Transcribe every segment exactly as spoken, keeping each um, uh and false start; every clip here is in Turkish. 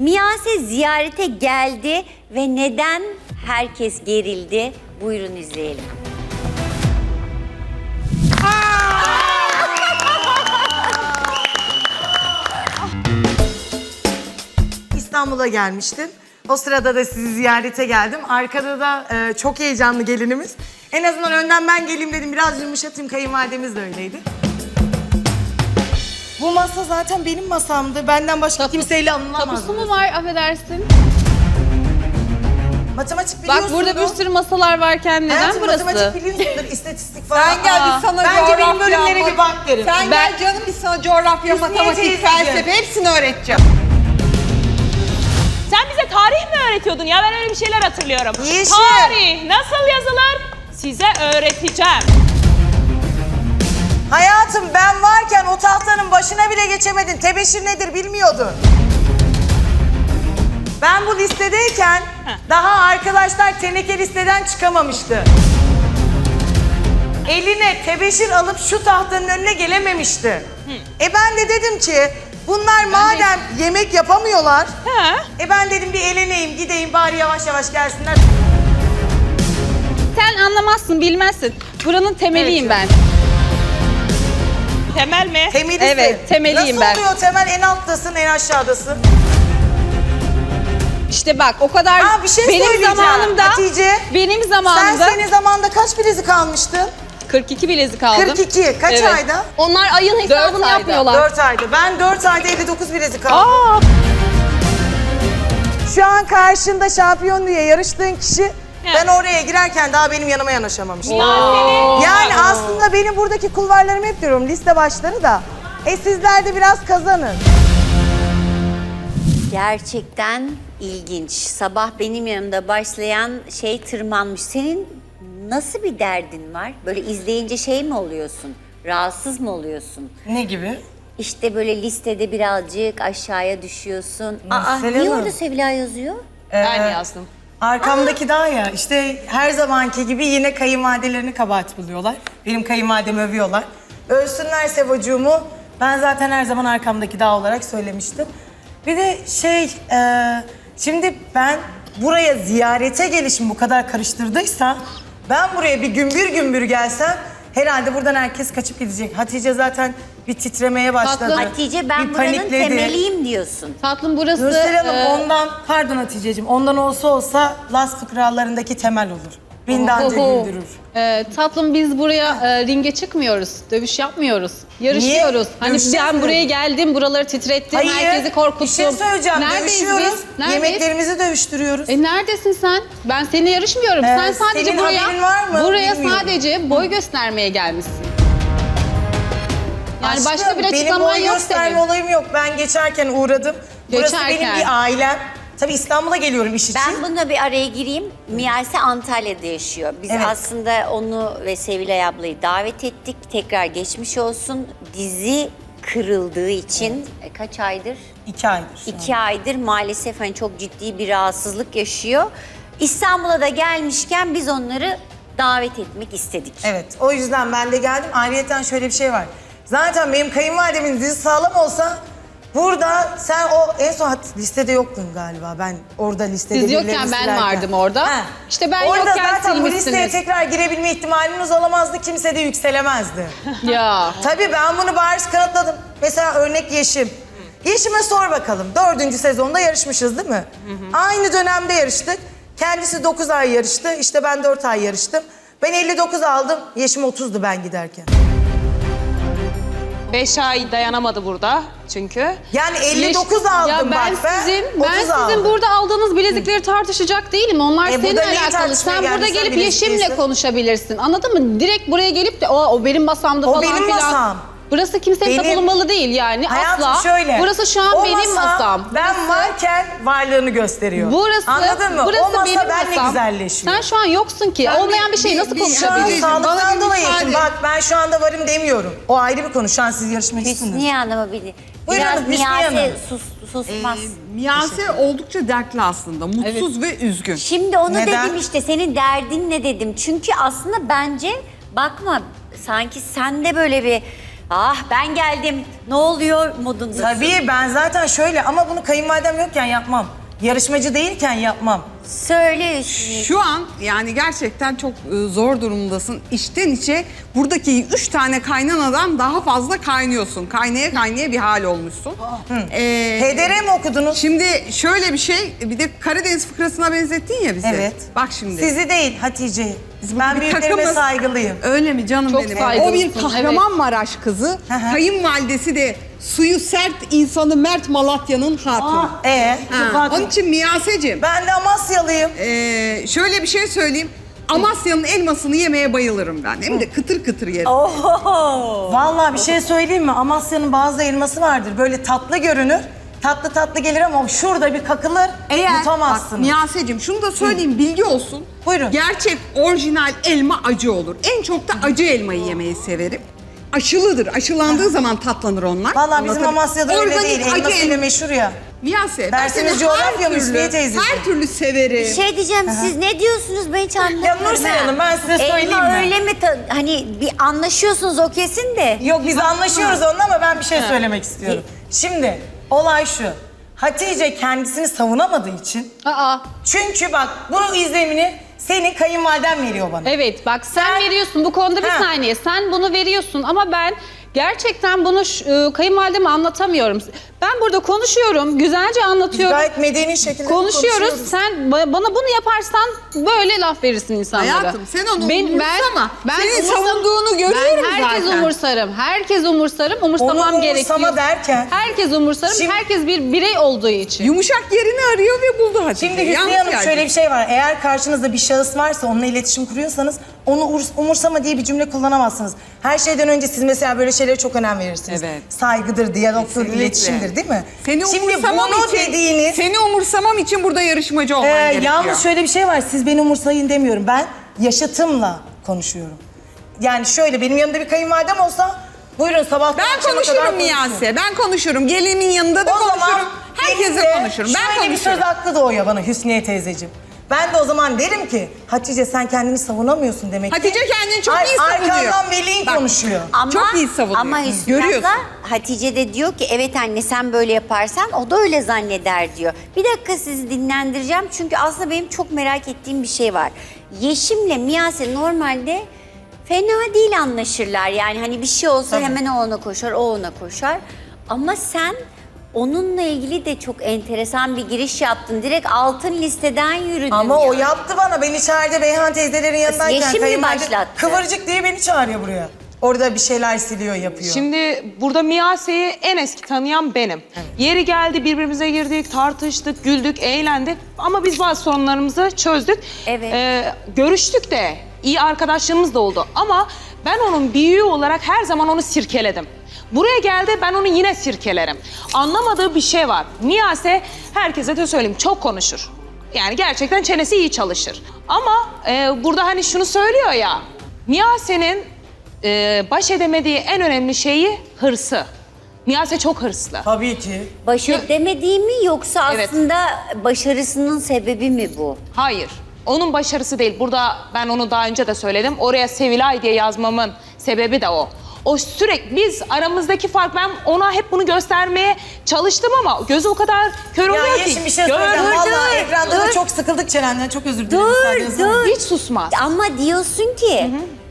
Miyase ziyarete geldi ve neden herkes gerildi? Buyurun izleyelim. İstanbul'a gelmiştim. O sırada da sizi ziyarete geldim. Arkada da e, çok heyecanlı gelinimiz. En azından önden ben geleyim dedim. Biraz yumuşatayım. Kayınvalidemiz de öyleydi. Bu masa zaten benim masamdı. Benden başka kimseyle anılamaz. Tapusu mu var, affedersin? Matematik biliyorsundur. Bak burada bir sürü masalar varken neden Hayatım, burası? matematik biliyorsundur, istatistik falan. Sen gel biz sana Bence coğrafya, benim bölümlere bir bak derim. Sen Ben- gel canım biz sana coğrafya, Hüsniye matematik, teyzeciğim. felsefe hepsini öğreteceğim. Sen bize tarih mi öğretiyordun ya? Ben öyle bir şeyler hatırlıyorum. Yeşil. Tarih nasıl yazılır? Size öğreteceğim. Hayatım ben varken o tahtanın başına bile geçemedin. Tebeşir nedir bilmiyordun. Ben bu listedeyken daha arkadaşlar teneke listeden çıkamamıştı. Eline tebeşir alıp şu tahtanın önüne gelememişti. E ben de dedim ki bunlar madem yemek yapamıyorlar. Ha? E ben dedim bir eleneyim gideyim bari yavaş yavaş gelsinler. Sen anlamazsın, bilmezsin. Buranın temeliyim ben. Temel mi? Temelisin. Evet, temeliyim ben. Nasıl oluyor temel en alttasın en aşağıdasın? İşte bak o kadar Ha, bir şey benim söyleyeceğim. zamanımda Hatice, benim zamanımda Sen senin zamanında kaç bilezik almıştın? kırk iki bilezik aldım. kırk iki. Kaç Evet. ayda? Onlar ayın hesabını ayda. yapmıyorlar. dört ayda. Ben dört ayda elli dokuz bilezik aldım. Aa, Şu an karşında şampiyon diye yarıştığın kişi ben oraya girerken daha benim yanıma yanaşamamıştı. Yani aslında benim buradaki kulvarlarım hep diyorum liste başları da. E sizler de biraz kazanın. Gerçekten ilginç. Sabah benim yanımda başlayan şey tırmanmış. Senin nasıl bir derdin var? Böyle izleyince şey mi oluyorsun? Rahatsız mı oluyorsun? Ne gibi? İşte böyle listede birazcık aşağıya düşüyorsun. Aa, Mesela niye mi? orada Sevilla yazıyor? Ben yazdım. Arkamdaki daha ya işte her zamanki gibi yine kayınvalidelerini kabahat buluyorlar. Benim kayınvalidemi övüyorlar. Övsünler Sevocuğumu. Ben zaten her zaman arkamdaki dağ olarak söylemiştim. Bir de şey, e, şimdi ben buraya ziyarete gelişim bu kadar karıştırdıysa ben buraya bir gümbür gümbür gelsem herhalde buradan herkes kaçıp gidecek. Hatice zaten bir titremeye başladı. Tatlım. Hatice ben bir buranın panikledi. temeliyim diyorsun. Tatlım burası Nursel Hanım e, ondan, pardon Hatice'cim, ondan olsa olsa Las fıkralarındaki temel olur. Beni de anca Oho. güldürür. e, tatlım biz buraya e, ringe çıkmıyoruz. Dövüş yapmıyoruz. Yarışıyoruz. Niye? Hani Dövüşeceğiz ben mi? buraya geldim, buraları titrettim, herkesi korkuttum. bir şey söyleyeceğim. Neredeyiz Dövüşüyoruz. biz? Neredeyiz? Yemeklerimizi dövüştürüyoruz. E neredesin sen? Ben seninle yarışmıyorum. Ee, sen sadece senin buraya haberin var mı? buraya Bilmiyorum. sadece boy göstermeye gelmişsin. Yani Aşkım, başka bir benim açıklaman boy yok gösterme senin. olayım yok. Ben geçerken uğradım. Burası Geçerken. benim bir ailem. Tabii İstanbul'a geliyorum iş için. Ben bunda bir araya gireyim. Miyase Antalya'da yaşıyor. Biz Evet. aslında onu ve Sevilay ablayı davet ettik. Tekrar geçmiş olsun. Dizi kırıldığı için e, kaç aydır? İki aydır şu an. İki aydır maalesef hani çok ciddi bir rahatsızlık yaşıyor. İstanbul'a da gelmişken biz onları davet etmek istedik. Evet, o yüzden ben de geldim. Ayrıyeten şöyle bir şey var. Zaten benim kayınvalidemin dizi sağlam olsa burada sen o en son hat- listede yoktun galiba. Ben orada listede Siz birileri yokken ben listelerken. vardım orada. İşte ben orada yokken zaten bu listeye silmişsiniz. tekrar girebilme ihtimaliniz olamazdı. Kimse de yükselemezdi. Ya. Tabii ben bunu bariz kanıtladım. Mesela örnek Yeşim. Yeşim'e sor bakalım. Dördüncü sezonda yarışmışız değil mi? Aynı dönemde yarıştık. Kendisi dokuz ay yarıştı. İşte ben dört ay yarıştım. Ben elli dokuz aldım. Yeşim otuzdu ben giderken. beş ay dayanamadı burada çünkü. Yani elli dokuz aldım ya ben bak ben. sizin, ben otuz sizin aldım. burada aldığınız bilezikleri tartışacak değilim. Onlar E, seninle burada neyi alakalı. tartışmaya Sen burada geldin? Sen gelip bilezik Yeşim'le değilsin. konuşabilirsin. Anladın mı? Direkt buraya gelip de o, o benim masamda O falan benim filan. masam. Burası kimsenin Benim- tapulunmalı değil yani Hayatım asla. şöyle. Burası şu an o benim masa, masam. Ben Burası- varken varlığını gösteriyor. Burası, Anladın mı? burası o masa benim benle masam. güzelleşiyor. Sen şu an yoksun ki. Ben Olmayan bir, bir- şey bir- nasıl bir- Şu an konuşabilirsin? Hatice'cim, bana sağlıktan bir dolayı. müsaade. Bak ben şu anda varım demiyorum. O ayrı bir konu. Şu an siz yarışmacısınız. Hüsniye Hanım'ı bir Buyurun biraz hanım, Hüsniye Miyase Hanım. sus, susmaz. Ee, Miyase oldukça dertli aslında. Mutsuz ve üzgün. Şimdi onu Neden? dedim işte senin derdin ne dedim. Çünkü aslında bence bakma sanki sende böyle bir Ah ben geldim. Ne oluyor modunda? Tabii ben zaten şöyle ama bunu kayınvalidem yokken yapmam. Yarışmacı değilken yapmam. Söyle Hüsnü. Şu an yani gerçekten çok e, zor durumdasın. İçten içe buradaki üç tane kaynanadan daha fazla kaynıyorsun. Kaynaya kaynaya bir hal olmuşsun. Ee, H D R mi okudunuz? Şimdi şöyle bir şey, bir de Karadeniz fıkrasına benzettin ya bizi. Evet. Bak şimdi. Sizi değil Hatice'yi. Ben bir büyüklerime takımız. saygılıyım. Öyle mi canım Çok benim? saygılısın, O bir Kahramanmaraş kızı. Hı hı. Kayınvalidesi de suyu sert insanı Mert Malatya'nın hatunu. Ee, Ha, Onun için Miyaseciğim, ben de Amasyalıyım. ee, şöyle bir şey söyleyeyim. Amasya'nın elmasını yemeye bayılırım ben. Hem de kıtır kıtır yerim. Vallahi bir şey söyleyeyim mi? Amasya'nın bazı elması vardır. Böyle tatlı görünür. Tatlı tatlı gelir ama şurada bir kakılır. Bak yutamazsınız. Miyaseciğim şunu da söyleyeyim, bilgi olsun. Buyurun. Gerçek orijinal elma acı olur. En çok da acı elmayı yemeyi severim. Aşılıdır. Aşılandığı zaman tatlanır onlar. Vallahi bizim Anlatabiliyor- Amasya'da öyle Organik değil. acı Elmasıyla elma. meşhur ya. Miyase, ben Dersiniz seni coğrafya her mı türlü, Hüsniye teyzeciğim? her türlü severim. Şey diyeceğim siz ne diyorsunuz ben hiç anlamıyorum. Ya Nursel Hanım, ben size söyleyeyim Elma mi? öyle mi? ta- hani bir anlaşıyorsunuz o kesin de. Yok biz anlaşıyoruz onunla ama ben bir şey söylemek istiyorum. Şimdi olay şu. Hatice kendisini savunamadığı için. Aa, Çünkü bak bu izlemini senin kayınvaliden veriyor bana. evet bak sen veriyorsun bu konuda bir Ha. saniye. Sen bunu veriyorsun ama ben gerçekten bunu ş- e, kayınvalideme anlatamıyorum. Ben burada konuşuyorum, güzelce Biz anlatıyorum. gayet medeni şekilde Konuşuyoruz. Sen ba- bana bunu yaparsan böyle laf verirsin insanlara. Hayatım, sen onu Ben- umursama. Senin umursam- savunduğunu görüyorum Ben herkes zaten. umursarım. Herkes umursarım. Onu Umursamam umursama gerekiyor. derken- Herkes umursarım. Şimdi- herkes bir birey olduğu için. Yumuşak yerini arıyor ve buldu Hatice. Şimdi Hüsniye Yalnız Hanım geldi. şöyle bir şey var. Eğer karşınızda bir şahıs varsa onunla iletişim kuruyorsanız onu urs- umursama diye bir cümle kullanamazsınız. Her şeyden önce siz mesela böyle şeylere çok önem verirsiniz. Evet. Saygıdır, diyalogtur, Kesinlikle. iletişimdir değil mi? Seni Şimdi umursamam bunu için, dediğiniz... seni umursamam için burada yarışmacı olman Ee, gerekiyor. yalnız şöyle bir şey var. Siz beni umursayın demiyorum. Ben yaşıtımla konuşuyorum. Yani şöyle benim yanımda bir kayınvalidem olsa buyurun sabahtan Ben akşama kadar konuşurum konuşurum. Miyase. Ben konuşurum. Gelinimin yanında da O zaman konuşurum. Herkese benim de konuşurum. Ben şöyle bir söz konuşurum. hakkı doğuyor bana Hüsniye teyzeciğim. Ben de o zaman derim ki Hatice sen kendini savunamıyorsun demek ki. Hatice kendini çok iyi savunuyor. Arkandan veliğin Bak, konuşuyor. Ama, Çok iyi savunuyor. Ama Hı. Hüsnü Görüyorsun. abla, Hatice de diyor ki evet anne sen böyle yaparsan o da öyle zanneder diyor. Bir dakika sizi dinlendireceğim çünkü aslında benim çok merak ettiğim bir şey var. Yeşim'le Miyase normalde fena değil anlaşırlar. Yani hani bir şey olsa Tabii. hemen o ona koşar, o ona koşar. Ama sen onunla ilgili de çok enteresan bir giriş yaptın. Direkt altın listeden yürüdün. Ama o ya. yaptı bana. Ben içeride Beyhan teyzelerin yanındayken Yeşim mi kayınvalide başlattı? Kıvırcık diye beni çağırıyor buraya. Orada bir şeyler siliyor, yapıyor. Şimdi burada Miyase'yi en eski tanıyan benim. Yeri geldi birbirimize girdik, tartıştık, güldük, eğlendik. Ama biz bazı sorunlarımızı çözdük. Evet. Ee, görüştük de, iyi arkadaşlığımız da oldu. Ama ben onun büyüğü olarak her zaman onu sirkeledim. Buraya geldi ben onu yine sirkelerim. Anlamadığı bir şey var. Miyase herkese de söyleyeyim çok konuşur. Yani gerçekten çenesi iyi çalışır. Ama e, burada hani şunu söylüyor ya. Miyase'nin e, baş edemediği en önemli şeyi hırsı. Miyase çok hırslı. Tabii ki. Baş edemediği mi yoksa Evet. aslında başarısının sebebi mi bu? Hayır. Onun başarısı değil. Burada ben onu daha önce de söyledim. Oraya Sevilay diye yazmamın sebebi de o. O sürekli biz aramızdaki fark ben ona hep bunu göstermeye çalıştım ama gözü o kadar kör Ya oluyor ki. Yeşim bir şey söyleyeceğim. Gör- Vallahi dur, ekranda da dur. çok sıkıldık çenenden. Çok özür dilerim. Dur, müsaadenizle. dur. Hiç susmaz. Ama diyorsun ki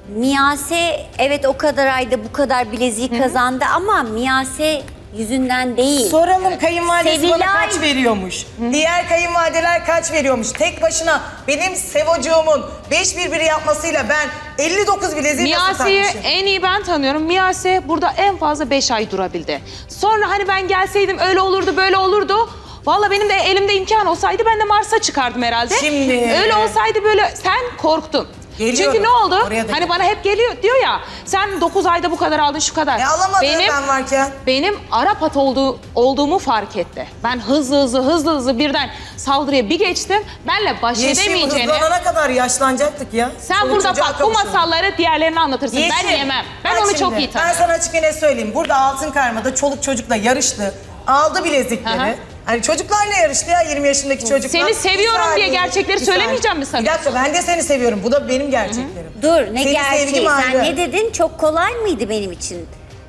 Miyase evet o kadar ayda bu kadar bileziği kazandı ama Miyase yüzünden değil. Soralım kayınvalidesi bana Sevilay. kaç veriyormuş? Diğer kayınvalideler kaç veriyormuş? Tek başına benim Sevocuğumun beş birbiri yapmasıyla ben elli dokuz bileziği nasıl Miyase'yi takmışım? en iyi ben tanıyorum. Miyase burada en fazla beş ay durabildi. Sonra hani ben gelseydim öyle olurdu böyle olurdu. Vallahi benim de elimde imkan olsaydı ben de Mars'a çıkardım herhalde. Şimdi- Öyle olsaydı böyle sen korktun. Geliyorum. Çünkü ne oldu? Oraya da Hani gel. bana hep geliyor diyor ya sen dokuz ayda bu kadar aldın şu kadar. E alamadım ben varken. Benim Arap at olduğu, olduğumu fark etti. Ben hızlı hızlı hızlı hızlı birden saldırıya bir geçtim. Benle baş Yeşim edemeyeceğini. hızlanana kadar yaşlanacaktık ya. Sen Çoluk burada çocuğa bak bu kavuşalım. masalları diğerlerine anlatırsın. Ben Yeşim, yemem. Ben bak onu şimdi, çok iyi Ben tanıyorum. sana açık ne söyleyeyim. Burada altın karmada çoluk çocukla yarıştı. Aldı bilezikleri. Hı hı. Hani çocuklarla yarıştı ya yirmi yaşındaki çocuklar. Seni seviyorum Bir diye saniye, gerçekleri bir saniye. söylemeyeceğim mi Bir sanıyorsun? dakika ben de seni seviyorum. Bu da benim gerçeklerim. Dur ne Senin gerçeği sevgim sen ayrı. ne dedin çok kolay mıydı benim için?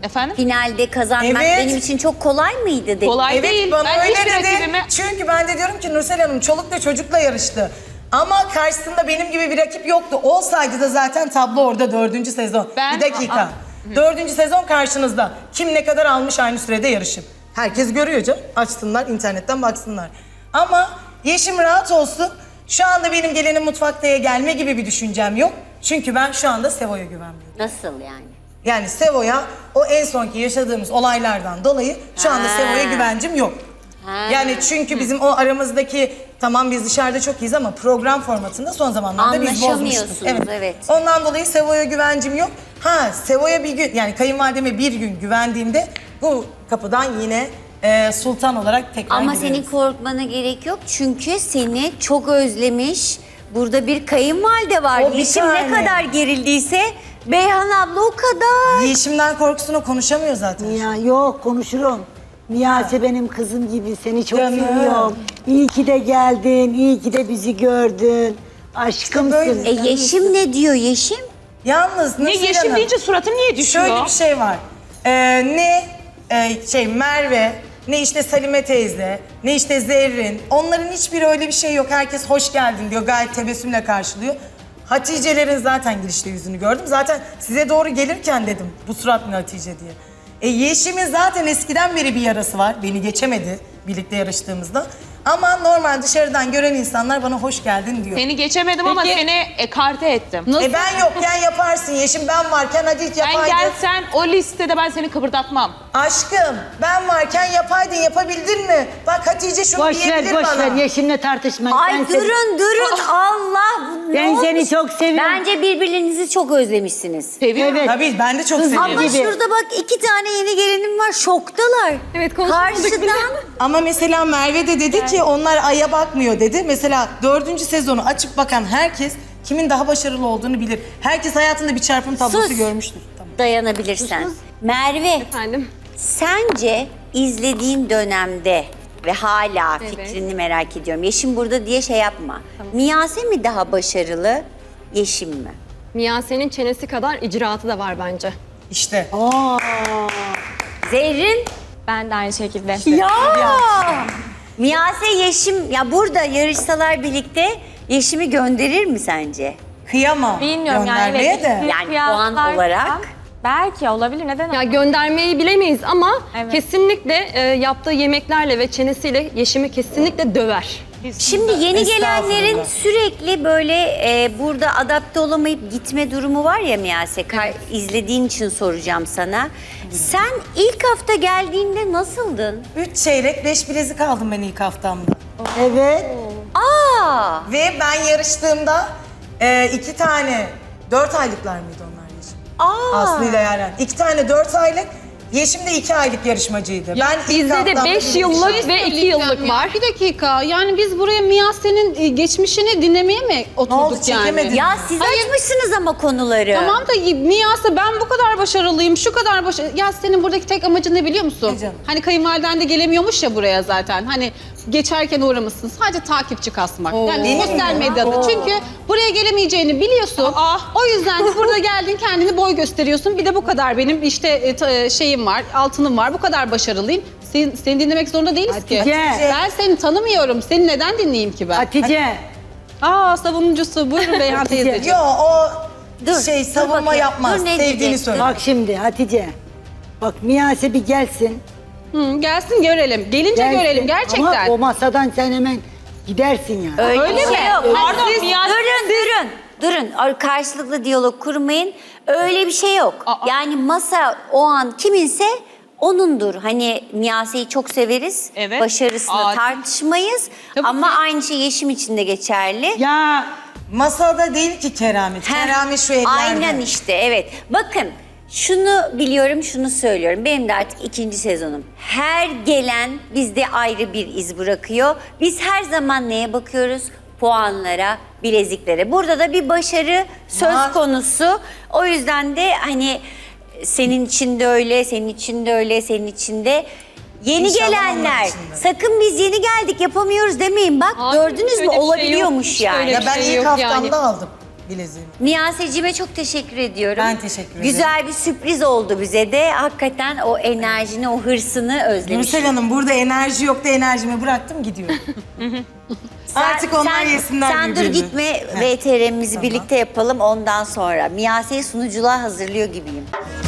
Efendim? Finalde kazanmak Evet. benim için çok kolay mıydı dedi. Kolay Evet değil. bana Ben öyle hiçbir dedi. rakibime... Çünkü ben de diyorum ki Nursel Hanım çolukla çocukla yarıştı. Ama karşısında benim gibi bir rakip yoktu. Olsaydı da zaten tablo orada dördüncü sezon. Ben- Bir dakika. Aa, Dördüncü sezon karşınızda. Kim ne kadar almış aynı sürede yarışıp. Herkes görüyor canım. Açsınlar internetten baksınlar. Ama Yeşim rahat olsun. Şu anda benim gelinim mutfaktaya gelme gibi bir düşüncem yok. Çünkü ben şu anda Sevo'ya güvenmiyorum. Nasıl yani? Yani Sevo'ya o en sonki yaşadığımız olaylardan dolayı şu anda Ha. Sevo'ya güvencim yok. Ha. Yani çünkü bizim o aramızdaki tamam biz dışarıda çok iyiyiz ama program formatında son zamanlarda biz bozmuştuk. Anlaşamıyorsunuz, evet. Ondan dolayı Sevo'ya güvencim yok. Ha Sevo'ya bir gün yani kayınvalideme bir gün güvendiğimde bu kapıdan yine e, sultan olarak tekrar Ama gireriz. senin korkmana gerek yok çünkü seni çok özlemiş. Burada bir kayınvalide var. O bir Yeşim ne tane. kadar gerildiyse Beyhan abla o kadar. Yeşim'den korkusunu konuşamıyor zaten. Ya yok konuşurum. Miyase benim kızım gibi seni çok Canım. seviyorum. İyi ki de geldin, iyi ki de bizi gördün. Aşkımsın. böyle. E Yeşim ne diyor Yeşim? Yalnız Ne Nursel Yeşim Hanım, deyince suratın niye düşüyor? şöyle bir şey var. Ee, ne e, şey Merve, ne işte Salime teyze, ne işte Zerrin. Onların hiçbiri öyle bir şey yok. Herkes hoş geldin diyor. Gayet tebessümle karşılıyor. Hatice'lerin zaten girişte yüzünü gördüm. Zaten size doğru gelirken dedim bu surat ne Hatice diye. E Yeşim'in zaten eskiden beri bir yarası var. Beni geçemedi birlikte yarıştığımızda. Ama normal dışarıdan gören insanlar bana hoş geldin diyor. Seni geçemedim ama Peki- seni ekarte ettim. Nasıl? E ben yokken yaparsın Yeşim, ben varken hadi hiç Ben yapaydın. gelsen o listede ben seni kıpırdatmam. Aşkım ben varken yapaydın, yapabildin mi? Bak Hatice şunu Boş ver, diyebilir boş bana. ver. Yeşim'le tartışmayın. Ay Ben seni- durun durun Allah. ne Ben seni olmuş? çok seviyorum. Bence birbirinizi çok özlemişsiniz. Seviyorum. Evet. Tabii ben de çok Kızım seviyorum. Ama gibi. şurada bak iki tane yeni gelinim var şoktalar. Evet, konuşmadık bile. Karşıdan Ama mesela Merve de dedi ki onlar aya bakmıyor dedi. Mesela dördüncü sezonu açıp bakan herkes kimin daha başarılı olduğunu bilir. Herkes hayatında bir çarpım tablosu Sus. görmüştür. Tamam. dayanabilirsen. Merve Efendim? sence izlediğin dönemde ve hala fikrini merak ediyorum. Yeşim burada diye şey yapma. Miyase mi daha başarılı, Yeşim mi? Miyase'nin çenesi kadar icraatı da var bence. İşte. Zerrin? Ben de aynı şekilde. Ya! Miyase Yeşim, ya burada yarışsalar birlikte Yeşim'i gönderir mi sence? Kıyamam Bilmiyorum yani. göndermeye Evet, de. Yani puan olarak? Belki olabilir. Neden? Ya göndermeyi bilemeyiz ama Evet. kesinlikle e, yaptığı yemeklerle ve çenesiyle Yeşim'i kesinlikle döver. Şimdi yeni gelenlerin Estağfurullah. sürekli böyle e, burada adapte olamayıp gitme durumu var ya Miyase. Kar- izlediğin için soracağım sana. Sen ilk hafta geldiğinde nasıldın? Üç çeyrek, beş bilezik aldım ben ilk haftamda. Evet. Aa! Ve ben yarıştığımda e, iki tane, dört aylıklar mıydı onlar Yeşim? Aa! Aslı ile Yaren. İki tane dört aylık, Yeşim de iki aylık yarışmacıydı. ben ilk Bizde de haftamda beş birinci yıllık aldım. ve iki yıllık var. Bir dakika yani biz buraya Miyase'nin e, geçmişini dinlemeye mi oturduk oldu, yani? çekemedin? Ya siz Hayır. açmışsınız ama konuları. Tamam da Miyase ben bu kadar başarılıyım, şu kadar başarılı. Ya senin buradaki tek amacın ne biliyor musun? Ne canım? Hani kayınvaliden de gelemiyormuş ya buraya zaten. Hani geçerken uğramışsın. Sadece takipçi kasmak. Yani Benim sosyal mi? medyada. Çünkü buraya gelemeyeceğini biliyorsun. O yüzden de burada geldin kendini boy gösteriyorsun. Bir de bu kadar benim işte e, ta- şeyim var, altınım var. Bu kadar başarılıyım. Seni, seni dinlemek zorunda değiliz ki. Hatice. Ben seni tanımıyorum. Seni neden dinleyeyim ki ben? Hatice. Aa savunucusu. Buyurun Beyhan teyzeciğim. Yo o Dur, şey dur savunma bakayım. yapmaz. Dur, ne Sevdiğini diyeceksin? söyle. Bak şimdi Hatice. Bak Miyase bir gelsin. Hı, gelsin görelim. Gelince gelsin. görelim gerçekten. Ama o masadan sen hemen gidersin yani. Öyle, Öyle bir mi? şey yok. Pardon, Siz Miyase- durun durun. Durun. Ar- Karşılıklı diyalog kurmayın. Öyle bir şey yok. Aa. Yani masa o an kiminse onundur. Hani Miyase'yi çok severiz. Evet. Başarısını Aa. tartışmayız. Tabii Ama ki. aynı şey Yeşim için de geçerli. Ya Masada değil ki keramet. Heh, Keramet şu ellerde. Aynen işte evet. Bakın şunu biliyorum şunu söylüyorum. Benim de artık ikinci sezonum. Her gelen bizde ayrı bir iz bırakıyor. Biz her zaman neye bakıyoruz? Puanlara, bileziklere. Burada da bir başarı söz Var. konusu. O yüzden de hani senin için de öyle, senin için de öyle, senin için de. Yeni İnşallah gelenler, onlar için de. sakın biz yeni geldik yapamıyoruz demeyin. Bak Hayır, gördünüz mü öyle bir şey yok. olabiliyormuş Hiç yani. öyle Ya bir ben şey ilk yok haftamda yani. aldım bileziğimi. Miyase'cime çok teşekkür ediyorum. Ben teşekkür ederim. Güzel bir sürpriz oldu bize de. Hakikaten o enerjini, o hırsını özlemişim. Nursel Hanım burada enerji yok da enerjimi bıraktım gidiyorum. Artık onlar yesinler Sen dur birbirini. gitme, V T R'mizi birlikte yapalım ondan sonra. Miyase'yi sunuculuğa hazırlıyor gibiyim.